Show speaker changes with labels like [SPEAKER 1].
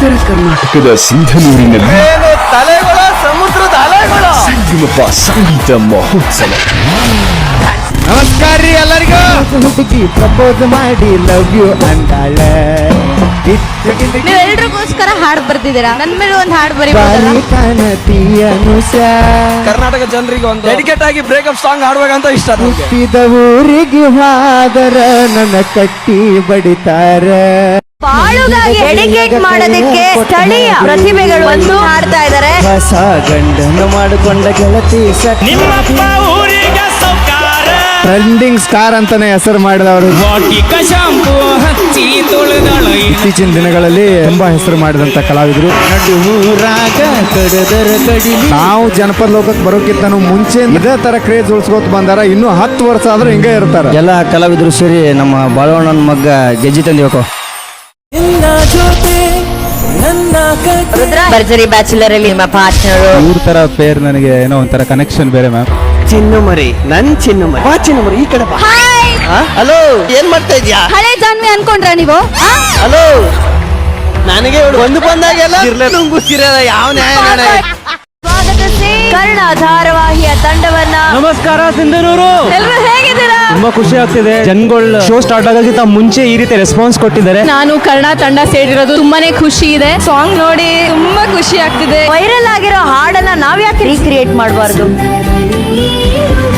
[SPEAKER 1] ಉತ್ತರ ಕರ್ನಾಟಕದ ಸಿಂಧನೂರಿನಲ್ಲಿ
[SPEAKER 2] ತಲೆಗಳ ಸಮುದ್ರದ ಅಲೆಗಳ
[SPEAKER 1] ಸಂಗಮಪ ಸಂಗೀತ ಮಹೋತ್ಸವ.
[SPEAKER 2] ನಮಸ್ಕಾರ ರೀ ಎಲ್ಲರಿಗೂ.
[SPEAKER 3] ಹುಡುಗಿ ಪ್ರಪೋಸ್ ಮಾಡಿ ಲವ್ ಯು ಅಂದಾಳ.
[SPEAKER 4] ನೀವೆಲ್ರಿಗೋಸ್ಕರ ಹಾಡು ಬರ್ತಿದ್ದೀರಾ, ನನ್ ಮೇಲೆ ಒಂದು ಹಾಡು
[SPEAKER 3] ಬಾರಿ
[SPEAKER 4] ಬರೀ
[SPEAKER 3] ಕಾಣತಿ ಅನುಷ.
[SPEAKER 2] ಕರ್ನಾಟಕ ಜನರಿಗೆ ಒಂದು ಡೆಡಿಕೇಟ್ ಆಗಿ ಬ್ರೇಕಪ್ ಸಾಂಗ್ ಹಾಡ್ಬೇಕಂತ ಇಷ್ಟ ನಮ್ಗೆ.
[SPEAKER 3] ಹುಟ್ಟಿದ ಊರಿಗೆ ಹಾದರ ನನ್ನ ಕಟ್ಟಿ ಬಡಿತಾರ.
[SPEAKER 4] ಬಾಳುಗಾಗಿ ಡೆಡಿಕೇಟ್ ಮಾಡೋದಕ್ಕೆ ಸ್ಥಳೀಯ ಪ್ರತಿಭೆಗಳು ಒಂದು ಹಾಡ್ತಾ ಇದ್ದಾರೆ.
[SPEAKER 3] ಹೊಸ ಗಂಡನ ಮಾಡಿಕೊಂಡ ಗೆಳತಿ
[SPEAKER 5] ನಿಮ್ಮಪ್ಪ ಊರಿಗೆ ಸೌಕಾರ
[SPEAKER 3] ಟ್ರೆಂಡಿಂಗ್ ಸ್ಟಾರ್ ಅಂತಾನೆ ಹೆಸರು ಮಾಡಿದವರು.
[SPEAKER 5] ವಾಟಿಕ ಶಾಂಪು ಹಚ್ಚಿ ತೊಳೆದಳು
[SPEAKER 3] ಇತ್ತೀಚಿನ ದಿನಗಳಲ್ಲಿ ತುಂಬಾ ಹೆಸರು ಮಾಡಿದಂತ ಕಲಾವಿದರು. ಊರಾಗ ಕಡದರ ಕಡಿಲಿ ನಾವು ಜನಪದ ಲೋಕಕ್ಕೆ ಬರೋಕ್ಕಿಂತ ಮುಂಚೆ ಇದೇ ತರ ಕ್ರೇಜ್ ಉಳಿಸ್ಕೋತ ಬಂದಾರ. ಇನ್ನು 10 ವರ್ಷ ಆದ್ರೂ ಹಿಂಗೆ ಇರ್ತಾರ.
[SPEAKER 6] ಎಲ್ಲ ಕಲಾವಿದರು ಸೇರಿ ನಮ್ಮ ಬಾಳವಣ್ಣನ ಮಗ್ಗ ಗೆಜ್ಜಿ ತಂದಿವಕೋ.
[SPEAKER 4] ರುದ್ರ ಭರ್ಜರಿ ಬ್ಯಾಚುಲರ್ ಅಲ್ಲಿ ನಿಮ್ಮ ಪಾರ್ಟ್ನರ್
[SPEAKER 3] ಇವ್ರ ತರ ಪೇರ್ ನನಗೆ ಏನೋ ಒಂಥರ ಕನೆಕ್ಷನ್ ಬೇರೆ ಮ್ಯಾಮ್.
[SPEAKER 2] ಚಿನ್ನು ಮರಿ ನನ್ ಚಿನ್ನು ಮರಿ. ಬಾ ಚಿನ್ನು ಮರಿ ಈ ಕಡೆ ಬಾ. ಹಲೋ ಏನ್ ಮಾಡ್ತಾ ಇದ್ಯಾ?
[SPEAKER 4] ಹಳೆ ಜಾನ್ವಿ ಅನ್ಕೊಂಡ್ರ ನೀವು?
[SPEAKER 2] ಹಲೋ ನನಗೆ ಒಂದು ಬಂದಾಗೆಲ್ಲ ನುಂಗುತ್ತಿರದ ಯಾವ ನ್ಯಾಯ ನಾಳೆ.
[SPEAKER 4] ಸ್ವಾಗತಿಸಿ ಕರ್ಣ ಧಾರಾವಾಹಿಯ ತಂಡವನ್ನ.
[SPEAKER 6] ನಮಸ್ಕಾರ ಸಿಂಧನೂರು.
[SPEAKER 4] ಎಲ್ರು ಹೇಗಿದ್ದೀರಾ?
[SPEAKER 6] ತುಂಬಾ ಖುಷಿ ಆಗ್ತಿದೆ. ಜನಗಳು ಶೋ ಸ್ಟಾರ್ಟ್ ಆಗೋಕ್ಕಿಂತ ಮುಂಚೆ ಈ ರೀತಿ ರೆಸ್ಪಾನ್ಸ್ ಕೊಟ್ಟಿದ್ದಾರೆ.
[SPEAKER 4] ನಾನು ಕರ್ಣ ತಂಡ ಸೇರಿರೋದು ತುಂಬಾನೇ ಖುಷಿ ಇದೆ. ಸಾಂಗ್ ನೋಡಿ ತುಂಬಾ ಖುಷಿ ಆಗ್ತಿದೆ. ವೈರಲ್ ಆಗಿರೋ ಹಾಡನ್ನ ನಾವ್ ಯಾಕೆ ರೀಕ್ರಿಯೇಟ್ ಮಾಡಬಾರ್ದು?